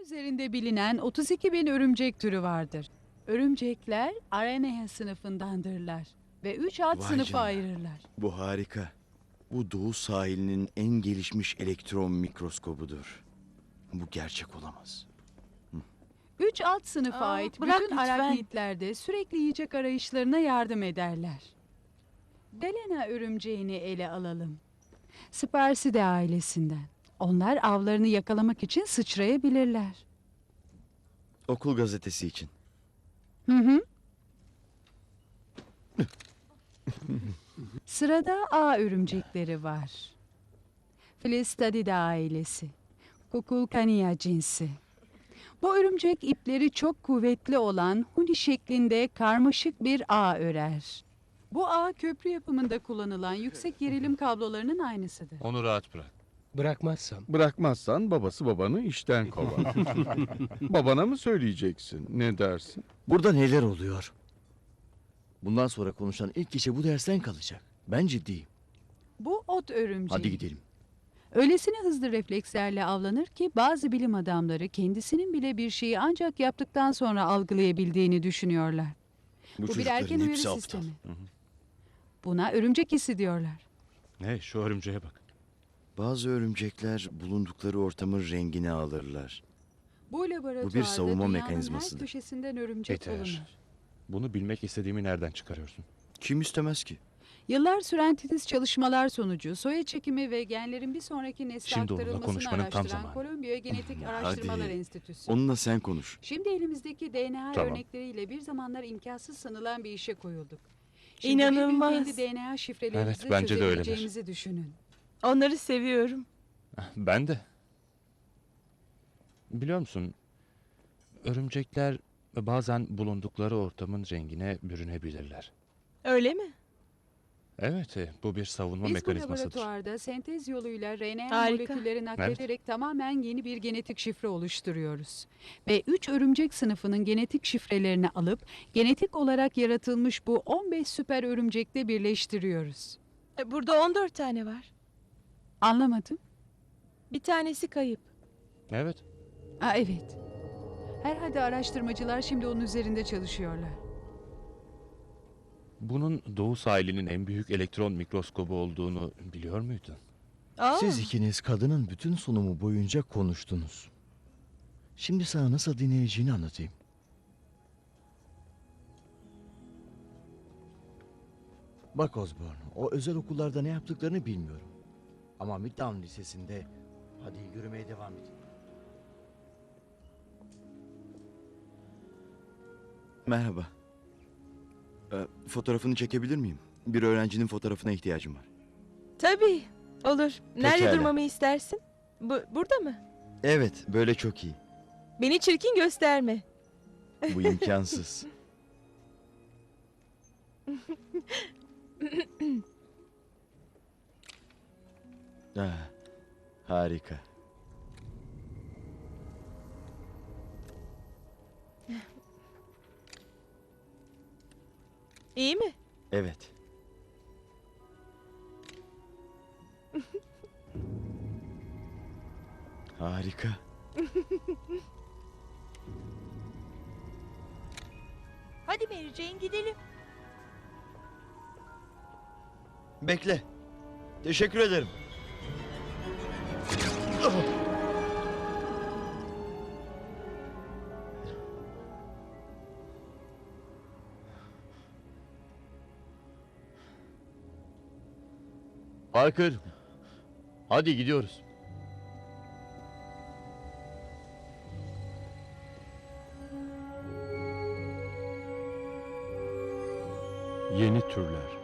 üzerinde bilinen 32 bin örümcek türü vardır. Örümcekler Araneha sınıfındandırlar ve 3 alt Vay sınıfa canına. ayırırlar. Bu harika. Bu doğu sahilinin en gelişmiş elektron mikroskobudur. Bu gerçek olamaz. 3 alt sınıfa Aa, ait bırak bütün lütfen. araknitler de sürekli yiyecek arayışlarına yardım ederler. Delena örümceğini ele alalım. Spersidae ailesinden. Onlar avlarını yakalamak için sıçrayabilirler. Okul gazetesi için. Hı hı. Sırada ağ örümcekleri var. Filistadidae ailesi. Kukulkania cinsi. Bu örümcek ipleri çok kuvvetli olan huni şeklinde karmaşık bir ağ örer. Bu ağ köprü yapımında kullanılan yüksek gerilim kablolarının aynısıdır. Onu rahat bırak. Bırakmazsam. Bırakmazsan babası babanı işten kovar. Babana mı söyleyeceksin? Ne dersin? Burada neler oluyor? Bundan sonra konuşan ilk kişi bu dersten kalacak. Ben ciddiyim. Bu ot örümceği. Hadi gidelim. Öylesine hızlı reflekslerle avlanır ki bazı bilim adamları kendisinin bile bir şeyi ancak yaptıktan sonra algılayabildiğini düşünüyorlar. Bu bir çocukların erken uyarı hepsi aptal. sistemi. Buna örümcek hissi diyorlar. Hey, şu örümceğe bak. Bazı örümcekler bulundukları ortamın rengini alırlar. Bu laboratuvarda Bu bir savunma dünyanın mekanizmasıdır. her köşesinden örümcek Yeter. bulunur. Bunu bilmek istediğimi nereden çıkarıyorsun? Kim istemez ki? Yıllar süren titiz çalışmalar sonucu soya çekimi ve genlerin bir sonraki nesle Şimdi onunla aktarılmasını konuşmanın tam araştıran zamanı. Kolombiya Genetik Araştırmalar Hadi. Enstitüsü. Onunla sen konuş. Şimdi elimizdeki DNA Tamam. örnekleriyle bir zamanlar imkansız sanılan bir işe koyulduk. Şimdi bir İnanılmaz. gün kendi DNA şifrelerimizi Evet, bence de öyleler. çözebileceğimizi düşünün. Onları seviyorum. Ben de. Biliyor musun? Örümcekler bazen bulundukları ortamın rengine bürünebilirler. Öyle mi? Evet, bu bir savunma Biz bu mekanizmasıdır. laboratuvarda sentez yoluyla RNA Harika. molekülleri naklederek tamamen yeni bir genetik şifre oluşturuyoruz. Ve 3 örümcek sınıfının genetik şifrelerini alıp genetik olarak yaratılmış bu 15 süper örümcekle birleştiriyoruz. Burada 14 tane var. Anlamadım. Bir tanesi kayıp. Evet. Aa, evet. Herhalde araştırmacılar şimdi onun üzerinde çalışıyorlar. Bunun doğu sahilinin en büyük elektron mikroskobu olduğunu biliyor muydun? Aa, Siz ikiniz kadının bütün sunumu boyunca konuştunuz. Şimdi sana nasıl dinleyeceğini anlatayım. Bak Osborne, o özel okullarda ne yaptıklarını bilmiyorum. Ama Midtown Lisesi'nde... Hadi yürümeye devam edin. Merhaba. Fotoğrafını çekebilir miyim? Bir öğrencinin fotoğrafına ihtiyacım var. tabii. Olur. Nerede Pekala. durmamı istersin? Burada mı? Evet, böyle çok iyi. Beni çirkin gösterme. Bu imkansız. Harika. İyi mi? Evet. Harika. Hadi Mary Jane gidelim. Bekle. Teşekkür ederim. Parker, hadi gidiyoruz. Yeni türler.